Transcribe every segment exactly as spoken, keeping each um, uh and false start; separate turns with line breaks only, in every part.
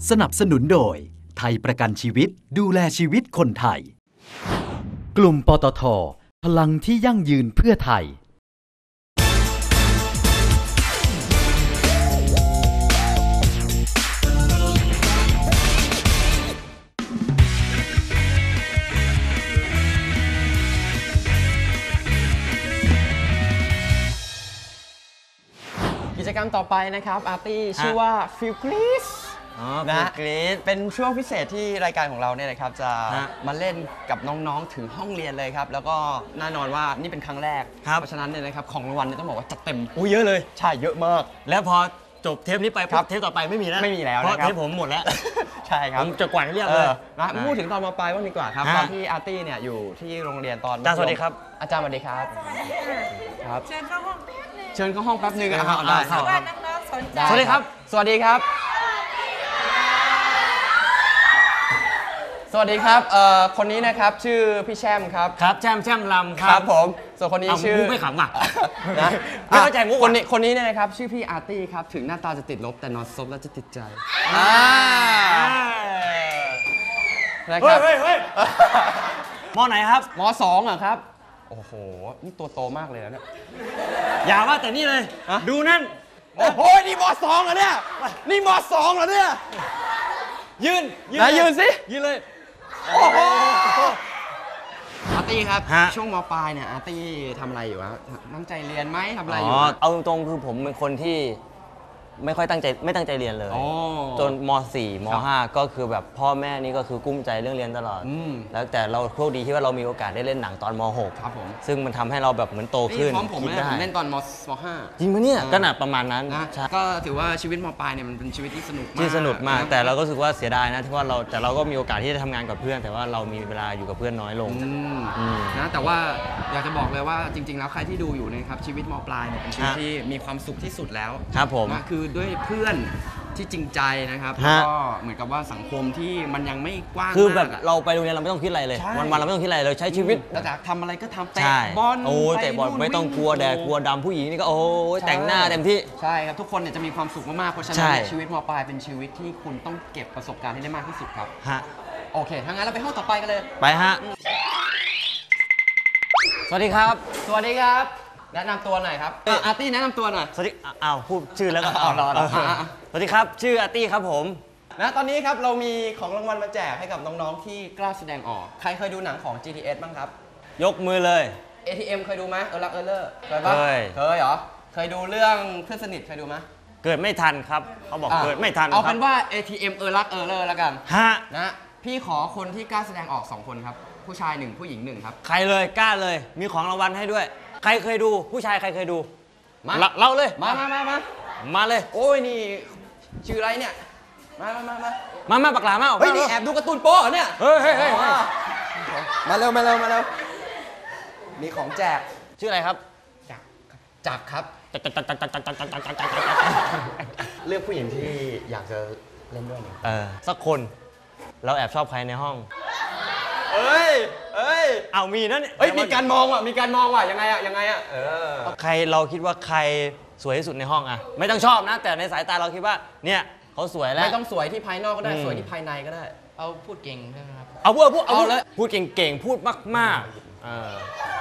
สนับสนุนโดยไทยประกันชีวิตดูแลชีวิตคนไทยกลุ่มปตท.พลังที่ยั่งยืนเพื่อไทย
กิจกรรมต่อไปนะครับอาร์ตี้ชื่อว่าฟิลกรีสนะเป็นช่วงพิเศษที่รายการของเราเนี่ยนะครับจะมาเล่นกับน้องๆถึงห้องเรียนเลยครับแล้วก็แน่นอนว่านี่เป็นครั้งแรกเพราะฉะนั้นเนี่ยนะครับของรางวัลเนี่ยต้องบอกว่าจัดเต็ม
อู้เยอะเลย
ใช่เยอะมาก
แล้วพอจบเทปนี้ไปเทปต่อไปไม่มีแล้ว
ไม่มีแล้ว
เพราะเทปผมหมดแล้ว
ใช่ครับ
ผมจะกวาดให้เรียบเลย
นะพูดถึงตอนม.ปลายบ้างดีกว่าครับตอนที่อาร์ตี้เนี่ยอยู่ที่โรงเรียนตอน
อาจารย์สวัสดีครับ
อาจารย์สวัสดีครับ
ครับเชิญเข้าห้องแป๊บนึง
เชิญเข้าห้องแป๊บนึงนะครับ
ได้ครับว่าน้องๆสนใจ
สวัสดีครับสวัสดีครับสวัสดีครับเอ่อคนนี้นะครับชื่อพี่แช่มครับ
ครับแช่มแช่มลำ
ครับผมส่วนคนนี้ชื่อ
ไม่ขำอ่ะ
นะไม่เข้าใจมุกคนนี้คนนี้เนี่ยนะครับชื่อพี่อาร์ตี้ครับถึงหน้าตาจะติดลบแต่นอนซบแล้วจะติดใจอ่า
นะครับเฮ้ยเฮ้ยมอไหนครับ
มอสองอ่ะครับโอ้โหนี่ตัวโตมากเลยนะเนี่ย
อย่าว่าแต่นี่เลยดูนั่น
โอ้โหนี่มอสองเหรอเนี่ยนี่มอสองเหรอเนี่ย
ยืน
ยืนยืนสิ
ยืนเลย
อาร์ตี้ครับช่วงม.ปลายเนี่ยอาร์ตี้ทำอะไรอยู่ครับตั้งใจเรียนไหมทำอะไรอยู่
เอาตรงๆคือผมเป็นคนที่ไม่ค่อยตั้งใจไม่ตั้งใจเรียนเลยจนม.สี่ ม.ห้า ก็คือแบบพ่อแม่นี่ก็คือกุ้มใจเรื่องเรียนตลอดแล้วแต่เราโชคดีที่ว่าเรามีโอกาสได้เล่นหนังตอนม.หก
ครับผม
ซึ่งมันทำให้เราแบบเหมือนโตขึ้น
พร้อมผมเลยผมเล่นตอนม.ห้า
จริงปะเนี่ยก็หนักประมาณนั้น
นะก็ถือว่าชีวิตม.ปลายเนี่ยมันเป็นชีวิตที่สนุกมาก
ที่สนุกมากแต่เราก็รู้สึกว่าเสียดายนะที่ว่าเราแต่เราก็มีโอกาสที่จะทำงานกับเพื่อนแต่ว่าเรามีเวลาอยู่กับเพื่อนน้อยลง
นะแต่ว่าอยากจะบอกเลยว่าจริงๆแล้วใครที่ดูอยู่นะครับชีวิตม.ปลายเนี่ยเป็นชีวิตที่มีความสุขที่สุดแล้ว
ครับผม
คือด้วยเพื่อนที่จริงใจนะครับแล้วก็เหมือนกับว่าสังคมที่มันยังไม่กว้างมาก
คือแบบเราไปโรงเรียนเราไม่ต้องคิดอะไรเลยวันๆเราไม่ต้องคิดอะไรเลยใช้ชีวิต
เราจะทำอะไรก็ทำเตะ
บอลโอ้เตะบอลไม่ต้องกลัวแดดกลัวดำผู้หญิงนี่ก็โอ้แต่งหน้าเต็มที่
ใช่ครับทุกคนเนี่ยจะมีความสุขมากๆเพราะฉะนั้นชีวิตม.ปลายเป็นชีวิตที่คุณต้องเก็บประสบการณ์ให้ได้มากที่สุดครับ
ฮะ
โอเคถ้างั้นเราไปห้องต่อไปกันเลย
ไปฮะสวัสดีครับ
สวัสดีครับแนะนำตัวหน่อยครับอาร์ตี้แนะนำตัวหน่อย
สวัสดีอ้าวพูดชื่อแล้วก็อ๋อรอรอสวัสดีครับชื่ออาร์ตี้ครับผม
นะตอนนี้ครับเรามีของรางวัลมาแจกให้กับน้องๆที่กล้าแสดงออกใครเคยดูหนังของ จี ที เอส บ้างครับ
ยกมือเลย
เอ ที เอ็ม เคยดูไหมเออรักเออเลอร์เคยปะเคยเคยเหรอเคยดูเรื่องเพื่อนสนิทเคยดูไหม
เกิดไม่ทันครับเขาบอกเกิดไม่ทัน
เอาเป็นว่า เอ ที เอ็ม เออรักเออเลอร์แล้วกัน
ฮะ
นะพี่ขอคนที่กล้าแสดงออกสองคนครับผู้ชายหนึ่งผู้หญิงหนึ่งครับ
ใครเลยกล้าเลยมีของรางวัลให้ด้วยใครเคยดูผู้ชายใครเคยดูมาเล่าเลย
มามามามา
มาเลย
โอ้ยนี่ชื่ออะไรเนี่ยมามามามา
มามาปากหลามา
เฮ้ยนี่แอบดูการ์ตูนโป๊ะเนี่ย
เฮ้ยเฮ้ยเฮ้ย
มาเร็วมาเร็วมาเร็วมีของแจก
ชื่ออะไรครับ
จักจักครับเลือกผู้หญิงที่อยากจะเล่นด้วยเนี่ย
เออสักคนเราแอบชอบใครในห้อง
เอ้ยเอ้ย
เอามีนั่น
เอ้ยมีการมองว่ะมีการมองว่ะยังไงอะยังไงอะเออ
ใครเราคิดว่าใครสวยที่สุดในห้องอะไม่ต้องชอบนะแต่ในสายตาเราคิดว่าเนี่ยเขาสวยแล้ว
ไม่ต้องสวยที่ภายนอกก็ได้สวยที่ภายในก็ได้
เอาพูดเก่งใช่ไหมครับ
เอาพูดพูดเอาเลยพูดเก่งๆพูดมากๆเออ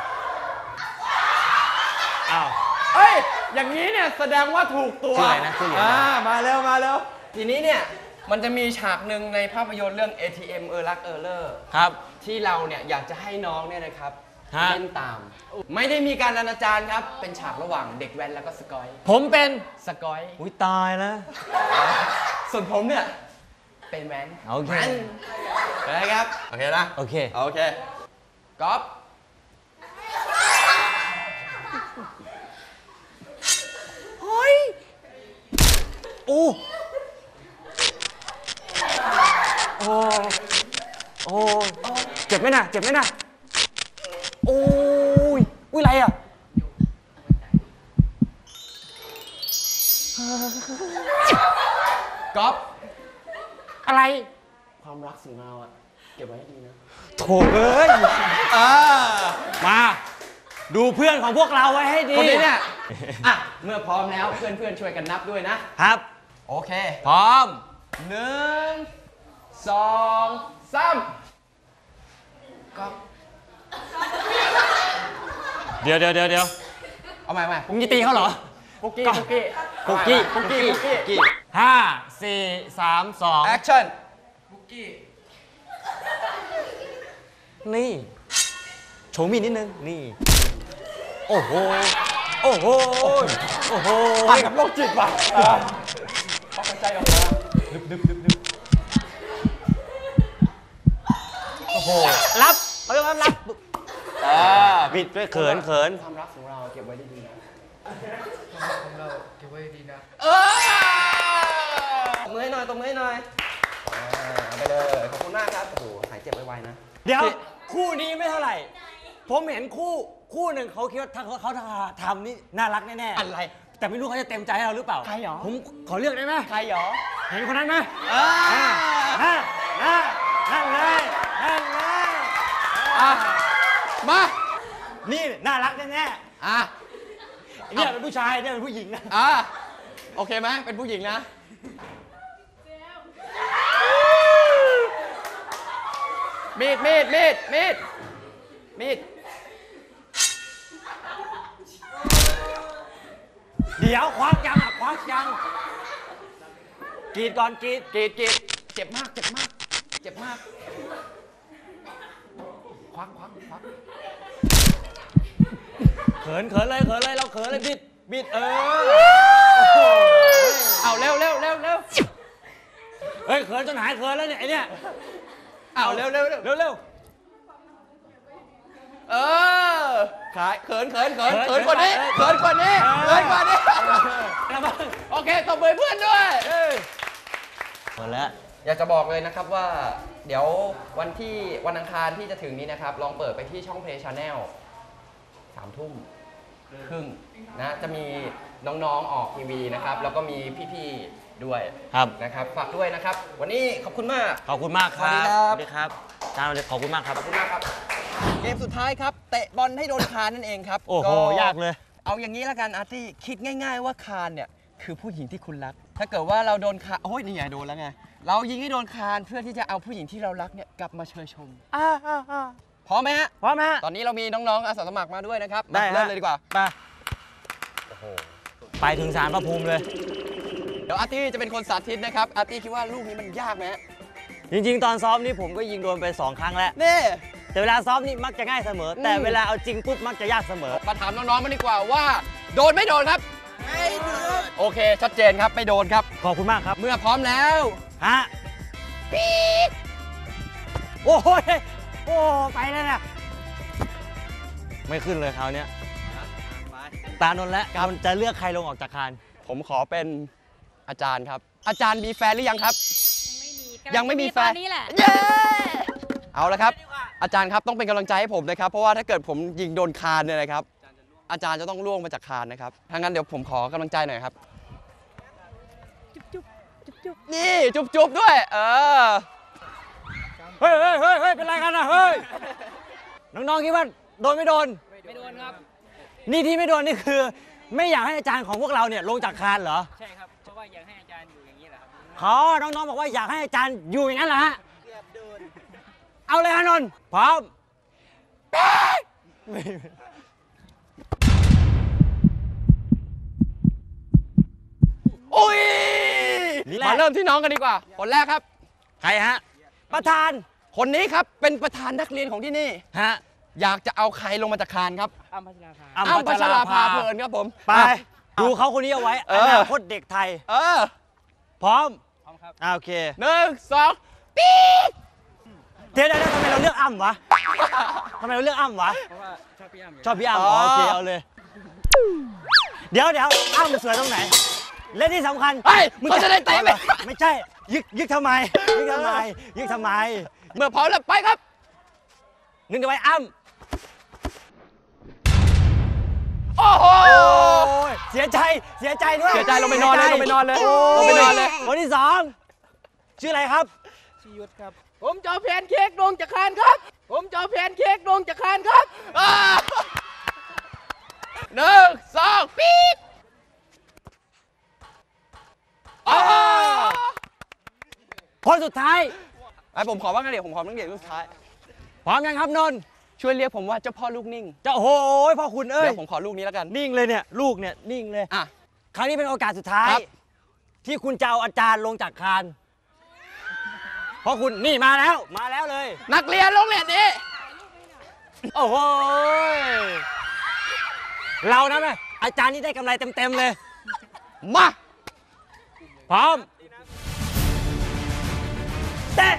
อ้าวเอ้ยอย่างนี้เนี่ยแสดงว่าถูกตัว
ชื่ออะไรนะชื่ออะไร
อ่ามาเร็วมาเร็วทีนี้เนี่ยมันจะมีฉากหนึ่งในภาพยนตร์เรื่อง เอ ที เอ็ม เออรักเออเลอร์
ครับ
ที่เราเนี่ยอยากจะให้น้องเนี่ยนะครับเล่นตามไม่ได้มีการอนาจารครับเป็นฉากระหว่างเด็กแว้นแล้วก็สกอย
ผมเป็น
สกอย
อุ้ยตายแล้ว
ส่วนผมเนี่ยเป็นแว้น
โอเค
นะครับโอเคนะ
โอเค
โอเคก๊อฟ
เฮ้ยโอ้โอ้โอ้เจ็บไหมนะเจ็บไหมนะโอ้ยอุ้ยอะไรอ่ะ
ก๊อฟ
อะไร
ความรักของเราอ่ะเก็บไว้ให้ดีนะ
โถเอ้ยมาดูเพื่อนของพวกเราไว้ให้ดี
คนนี้เนี่ยอ่ะเมื่อพร้อมแล้วเพื่อนๆช่วยกันนับด้วยนะครับ
โอ
เค
พร้อม
หนึ่งสองสามก็
เดี๋ยวเดี๋ยวเดี๋ยวเดี๋ยว
เอาใหม่ใหม่
มึงจะตีเขาเหรอ
ปุกกี้ปุกกี้
ปุกกี้
ปุกกี้ปุกกี้
ห้าสี่สามสอง
แอคชั่น
นี่โชว์มีนิดนึงนี่โอ้โหโอ้โหโอ้โห
ไปกับโรคจิตว่ะพอหายใจออกมาดึบดึบดึบดึบ
โอ้โหรับเขาเรียกว่ารับ
อ่า
บิดด้วยเขินเขิน
ความรักของเราเก็บไว้ดีๆนะ
ของเราเก็บไว้ดีนะ
เออตบมือให้หน่อยตบมือให้หน่อยอ่าเอาไปเลยขอบคุณมากครับโอ้โหหายเจ็บไวๆนะ
เดี๋ยวคู่นี้ไม่เท่าไหร่ ผมเห็นคู่คู่หนึ่งเขาคิดว่าถ้าเขาเขาทำนี่น่ารักแน่ๆ
อะไร
แต่ไม่รู้เขาจะเต็มใจให้เราหรือเปล่า
ใครหรอ
ผมขอเลือกได้ไหม
ใครหรอ
เห็นคนนั้นไหม
อ่า
นั่นนั่นนั่นเลยนั่นเลย
อ่ะมา
นี่น่ารักแน่
อ่ะ
ๆเนี่ยเป็นผู้ชายเนี่ยเป็นผู้หญิงนะ
อ่ะโอเคไหมเป็นผู้หญิงนะมีดมีดมีดมีดมีด
เดี๋ยวควักยังอ่ะควักยังกรีดก่อนกรีด
กรีดกรีดเจ็บมากเจ็บมากเจ็บมากควักควักควัก
เขินเขินเลยเขินเลยเราเขินเลยบิดบิดเออ
เอาเร็วเร็วเร็วเร็ว
เฮ้ยเขินจนหายเขินแล้วเนี่ยไอเนี่ย
เอาเร็วเร็วเร็ว
เร็วเร็ว
เออขายเขินเขินเขินเขินกว่านี้เขินกว่านี้เขินกว่านี้โอเคตบมือเพื่อนด้วย
หมดแล้ว
อยากจะบอกเลยนะครับว่าเดี๋ยววันที่วันอังคารที่จะถึงนี้นะครับลองเปิดไปที่ช่อง Play Channel สามทุ่มครึ่งนะจะมีน้องๆออกทีวีนะครับแล้วก็มีพี่ๆด้วย
ครับ
นะครับฝากด้วยนะครับ วันนี้ขอบคุณมาก
ขอบคุณมากครับ
สวัสดีครับ
สวัสดีครับอาจารย์ขอบคุณมากครับ
ขอบคุณมากครับเกมสุดท้ายครับเตะบอลให้โดนคานนั่นเองครับ
โอ้โห
ก็
ยากเลย
เอาอย่างนี้ละกันอาร์ตี้คิดง่ายๆว่าคานเนี่ยคือผู้หญิงที่คุณรัก ถ้าเกิดว่าเราโดนคานโอ้ยนี่ไงโดนแล้วไงเรายิงให้โดนคานเพื่อที่จะเอาผู้หญิงที่เรารักเนี่ยกลับมาเชยชม
อ่าอ่าอ่า
พร้อมไหมฮะ
พร้อมไหมฮะ
ตอนนี้เรามีน้องๆอาสาสมัครมาด้วยนะครับ
ได้
มาเริ่มเลยดีกว่า
ไปไปถึงศาลพระภูมิเลย
เดี๋ยวอาร์ตี้จะเป็นคนสาธิตนะครับอาร์ตี้คิดว่าลูกนี้มันยากไหมฮะ
จริงๆ ตอนซ้อมนี่ผมก็ยิงโดนไปสองครั้งแล้ว
นี่
แต่เวลาซ้อมนี่มักจะง่ายเสมอ แต่
อืม
เวลาเอาจริงปุ๊บมักจะยากเสมอ
มาถามน้องๆมาดีกว่าว่าโดนไม่โดนครับไม่โดนโอเค ชัดเจนครับไม่โดนครับ
ขอบคุณมากครับ
เมื่อพร้อมแล้ว
ฮะปี๊ดโอ้ยโอ้ไปแล้วนะไม่ขึ้นเลยคราวเนี้ยตานนท์แล้วมันจะเลือกใครลงออกจากคาน
ผมขอเป็นอาจารย์ครับ อาจารย์มีแฟนหรือยังครับ
ยั
ยัง ง
ไม่
ไม่
มี
มี
แฟ
แฟ
น
น
นี้แหละ
เย้ เอาละครับ อาจารย์ครับต้องเป็นกำลังใจให้ผมนะครับ เพราะว่าถ้าเกิดผมยิงโดนคานเนี่ยนะครับ อาจารย์จะต้องล่วงมาจากคานนะครับถ้างั้นเดี๋ยวผมขอกำลังใจหน่อยครับ นี่จุ๊บๆด้วย เออ
เฮ้ยเฮ้ยเฮ้ยเฮ้ยเป็นไรกันนะเฮ้ย น้องๆคิดว่าโดนไม่โดน
ไม่โดนครับ
นี่ที่ไม่โดนนี่คือ ไม่อยากให้อาจารย์ของพวกเราเนี่ยลงจากคานเหรอ
ใช่ครับ เพราะว่าอยากให้อาจารย์อยู่อย่างนี้แหละครับ
ขอน้องๆบอกว่าอยากให้อาจารย์อยู่อย่างนั้นเหรอฮะเอาเลยฮะนนท์พร้อม
อุ้ย
นี่แหละ
มาเริ่มที่น้องกันดีกว่า คนแรกครับ
ใครฮะ ประธาน
คนนี้ครับเป็นประธานนักเรียนของที่นี่
ฮะ
อยากจะเอาใครลงมาจากคานครับ
อ้ำพัชราภา
อ้ำพัชราภาเพลินครับผม
ไป ดูเขาคนนี้เอาไว้
เอ
อ
อ
นาคตเด็กไทย
เออ
พร้อม
พร้อมครับ
อ่าโอเค
หนึ่งสองปี๊ด
เดี๋ยวเดี๋ยวเดี๋ยวทำไมเราเลือกอ้ำวะทำไมเราเลือกอ้ำวะ
เพราะว่าชอบพี่อ้ำอยู่
ชอบพี่อ้ำอ๋อโอเคเอาเลย เดี๋ยวเดี๋ยวอ้ำสวยตรงไหน และที่สำคัญ
เฮ้ยเขาจะได้เตะไหม
ไม่ใช่ ยึกยึกทำไม ยึกทำไม ยึกทำไม
เมื่อพร้อมแล้วไปครับ
นึกเอาไว้อ้ำ
โอ้โห
โอ้ยเสียใจ เสียใจด้วย
เสียใจลงไปนอนเลยลงไปนอนเลย
โ
ลงไปนอนเลย
คนที่สองชื่ออะไรครับ
ชียุทธครับ ผมจะเอาแพนเค้กลงจากคานครับ ผมจะเอาแพนเค้กลงจากคานครับ
อ่าหนึ่งสองปี๊ดอ๋อ
คนสุดท้าย
ไอ้ผมขอบ้างนะเดี๋ยวผมขอบ้างเดี๋ยวลูกสุดท้าย
พร้อมยังครับนนท์
ช่วยเรียกผมว่าเจ้าพ่อลูกนิ่ง
เจ้าโอ้โหพ่อคุณเอ้ย
เดี๋ยวผมขอลูกนี้แล้วกัน
นิ่งเลยเนี่ยลูกเนี่ยนิ่งเลย
อ่ะ
ครั้งนี้เป็นโอกาสสุดท้ายที่คุณจะเอาอาจารย์ลงจากคานเพราะคุณนี่มาแล้วมาแล้วเลย
นักเรียนโรงเรียนนี้
โอ้โหเรานะแม่อาจารย์นี่ได้กำไรเต็มๆเลย
มา
พร้อมเตะ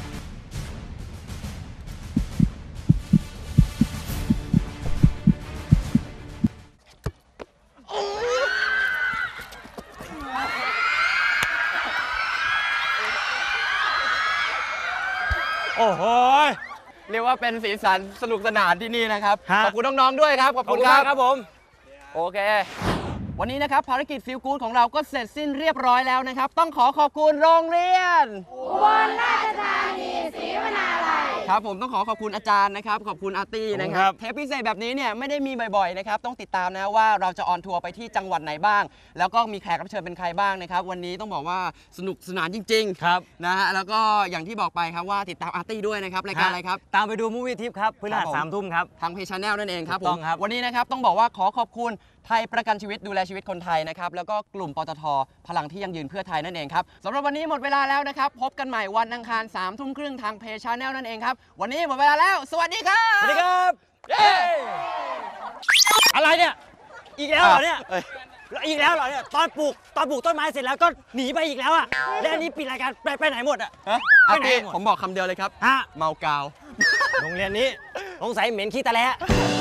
โอ้โห
เรียกว่าเป็นสีสันสนุกสนานที่นี่นะครับขอบคุณน้องๆด้วยครับ
ขอบคุณครับครับผม
โอเควันนี้นะครับภารกิจฟิลกู๊ดของเราก็เสร็จสิ้นเรียบร้อยแล้วนะครับต้องขอขอบคุณโรงเรียน
อุบลราชธานีศรีวนาลัย
ครับผมต้องขอขอบคุณอาจารย์นะครับขอบคุณอาร์ตี้นะครับเทปพิเศษแบบนี้เนี่ยไม่ได้มีบ่อยๆนะครับต้องติดตามนะว่าเราจะออนทัวร์ไปที่จังหวัดไหนบ้างแล้วก็มีแขกรับเชิญเป็นใครบ้างนะครับวันนี้ต้องบอกว่าสนุกสนานจริง
ๆครับ
นะฮะแล้วก็อย่างที่บอกไปครับว่าติดตามอาร์ตี้ด้วยนะครับรายการอะไรครับ
ตามไปดูมูฟวี่ทิปครับพฤหัสสามทุ่มครับ
ทางเพจชาแนลนั่นเองครับผมวันนี้นะครับต้องบอกว่าขอขอบคุณไทยประกันชีวิตดูแลชีวิตคนไทยนะครับแล้วก็กลุ่มปตท.พลังที่ยั่งยืนเพื่อไทยนั่นเองครับสำหรับวันนี้หมดเวลาแล้วนะครับพบกันใหม่วันอังคารสามทุ่มครึ่งทางเพจชาแนลนั่นเองครับวันนี้หมดเวลาแล้วสวัสดีครับ
สวัสดีครับเย้อะไรเนี่ยอีกแล้วเหรอเนี่ยอีกแล้วเหรอเนี่ยตอนปลูกตอนปลูกต้นไม้เสร็จแล้วก็หนีไปอีกแล้วอ่ะแล้วอันนี้ปิดรายการไปไปไหนหมดอ่ะ
ไปไหนผมบอกคำเดียวเลยครับเมากาว
โรงเรียนนี้สงสัยเหม็นขี้ตะแล